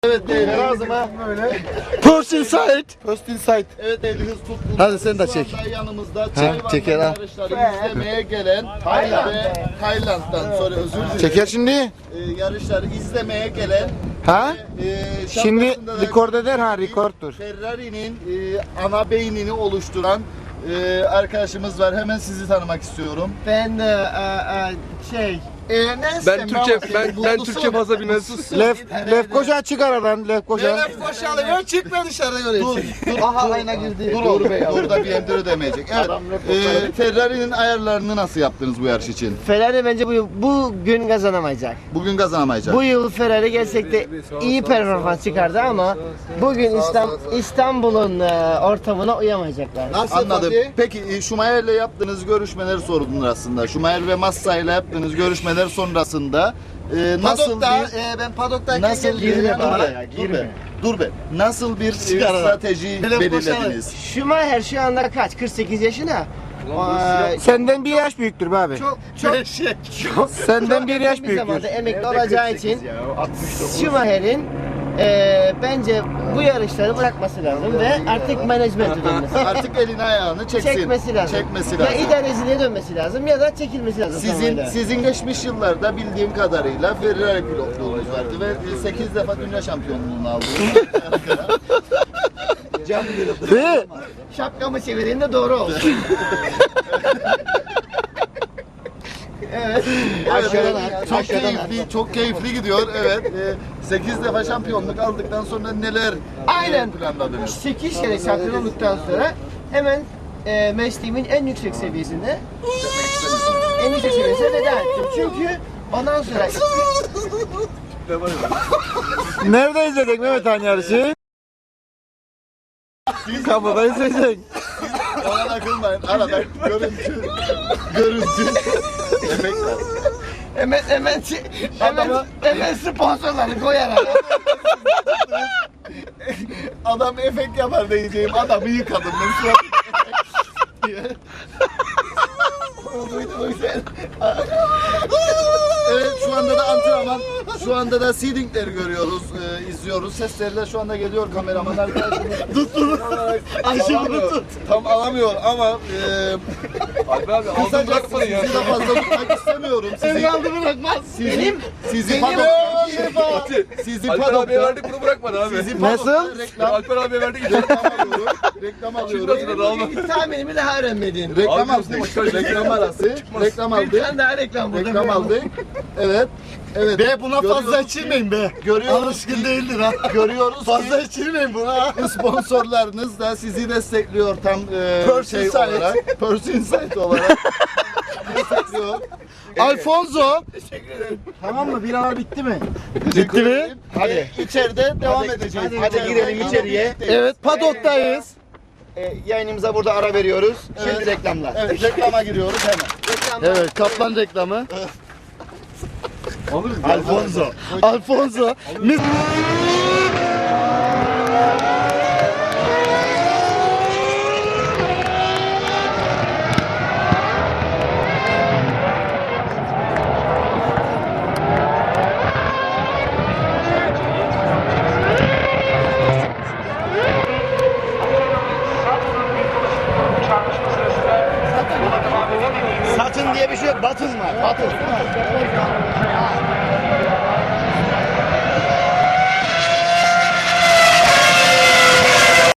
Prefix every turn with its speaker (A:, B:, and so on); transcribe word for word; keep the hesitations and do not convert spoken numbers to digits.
A: Evet değerli ağzıma böyle.
B: Post Insight.
A: Post Insight. Evet değerli hız tutkunları.
B: Hadi sen de çek.
A: Şu anda yanımızda çay
B: çeker ha.
A: yarışları izlemeye gelen Tayland ve Tayland'dan sonra özür dilerim.
B: Çeker şimdi.
A: Ee, yarışları izlemeye gelen
B: Ha?
A: e,
B: Şimdi
A: şapkasında da
B: record eder ha, record'dur.
A: Ferrari'nin e, ana beynini oluşturan e, arkadaşımız var. Hemen sizi tanımak istiyorum.
C: Ben e, e, şey e, neyse,
D: Ben Türkçe ben ben Türkçe fazla bilmez.
B: Lef, Lef Koca çık aradan, Lef Koca.
C: Lef boşalıyor, çıkma dışarı göre.
A: Dur, dur,
C: Aha
A: dur,
C: ayna girdi.
A: dur, dur, dur da bir emdir ödemeyecek. Evet, e, Ferrari'nin ayarlarını nasıl yaptınız bu yarış için?
C: Ferrari bence bu bugün kazanamayacak.
A: Bugün kazanamayacak.
C: Bu yıl Ferrari gerçekten iyi performans çıkardı ama bugün İstanbul, İstanbul'un e, ortamına uyamayacaklar.
A: Nasıl Anladım. Peki e, Schumacher'le yaptığınız görüşmeleri sordunuz aslında. Schumacher ve Massa'yla yaptığınız görüşmeler sonrasında e, nasıl
C: Padok'ta,
A: bir
C: e, ben Padok'tayken
A: nasıl bir
C: girme
A: dur
C: bana.
A: be, dur be, dur be. Nasıl bir e, strateji belirlediniz?
C: Schumacher şu anda kaç? kırk sekiz yaşında. Ee,
B: Senden bir yaş büyüktür be abi.
C: çok çok çok
B: Senden bir yaş
C: bir
B: büyüktür.
C: zamanda emekli olacağı için Schumacher'in e, bence bu yarışları bırakması lazım ve artık menajmente dönmesi.
A: Artık elini ayağını çeksin.
C: Çekmesi lazım.
A: Çekmesi
C: Ya
A: lazım.
C: idareciliğe dönmesi lazım ya da çekilmesi lazım.
A: Sizin
C: tamamıyla. sizin
A: sizin geçmiş yıllarda bildiğim kadarıyla Ferrari pilotluğunuz vardı ve sekiz defa dünya şampiyonluğunu aldınız.
B: Ve
C: şapkamı çevireyim de doğru olsun. evet.
A: Aşağıdan
C: Evet,
A: çok
C: aşağıdan
A: keyifli, çok keyifli gidiyor. Evet. sekiz defa şampiyonluk aldıktan sonra neler e,
C: Aynen.
A: planladınız?
C: sekiz kere şampiyon olduktan sonra hemen e, mesleğimin en yüksek seviyesinde en yüksek seviyesine veda ettim. Çünkü ondan sonra
B: nerede izledik Mehmet Han yarışı? Kapıda izleyecek.
A: Ona takılmayın. Arada görüntü, görüntü. Efektler.
C: hemen hemen hemen, hemen sponsorları koyarak
A: Adam efekt yapar diyeceğim. Adamı yıkadım ben şu an. Evet şu anda da antrenman, şu anda da seedingleri görüyoruz, e, izliyoruz. Sesleri de şu anda geliyor kameraman arkadaşımız. Tut tut. Alamıyor. Tam alamıyor ama e,
D: Alper abi aldın
A: kısaca
D: bırakmadın ya.
A: sizi de fazla tutmak istemiyorum. Sizi,
C: aldı bırakmaz.
A: sizi,
C: Benim
A: sizi
C: benim
A: padokta, sizi
D: Alper abiye
A: padokta,
D: verdik bunu bırakmadı abi.
A: sizi padokta
B: Nasıl?
A: reklam,
D: Alper abiye verdik.
A: reklam alıyorum. Reklam
D: Şimdi
A: alıyorum.
D: hatırladı alma.
C: bugünkü tahminimi daha öğrenmedin.
A: Reklam
D: Abi,
A: aldık.
D: çıkmaz.
A: Reklam arası. Reklam
C: Bir
A: aldık.
C: tane daha reklam burada.
A: Reklam aldık. Evet. Evet.
B: Be buna fazla
A: Görüyoruz
B: içirmeyin be.
A: Görüyoruz
B: Alışkın
A: ki-
B: değildir ha.
A: Görüyoruz
B: Fazla
A: ki
B: içirmeyin buna.
A: sponsorlarınız da sizi destekliyor tam e,
B: Purse
A: şey
B: Insight.
A: olarak. Purse Insight olarak. destekliyor.
B: Alfonso. Tamam mı? Bir ara bitti mi? Bitti mi?
A: Hadi. İçeride devam edeceğiz.
B: hadi
A: İçeride
B: girelim
A: devam
B: içeriye.
A: edeceğiz.
B: Evet, padoktayız.
E: E, yayınımıza burada ara veriyoruz. Şimdi
A: Evet.
E: reklamlar.
A: Evet, reklama giriyoruz hemen.
B: Evet, kaplan reklamı.
D: Alırız.
B: Alfonso. Alfonso. Mis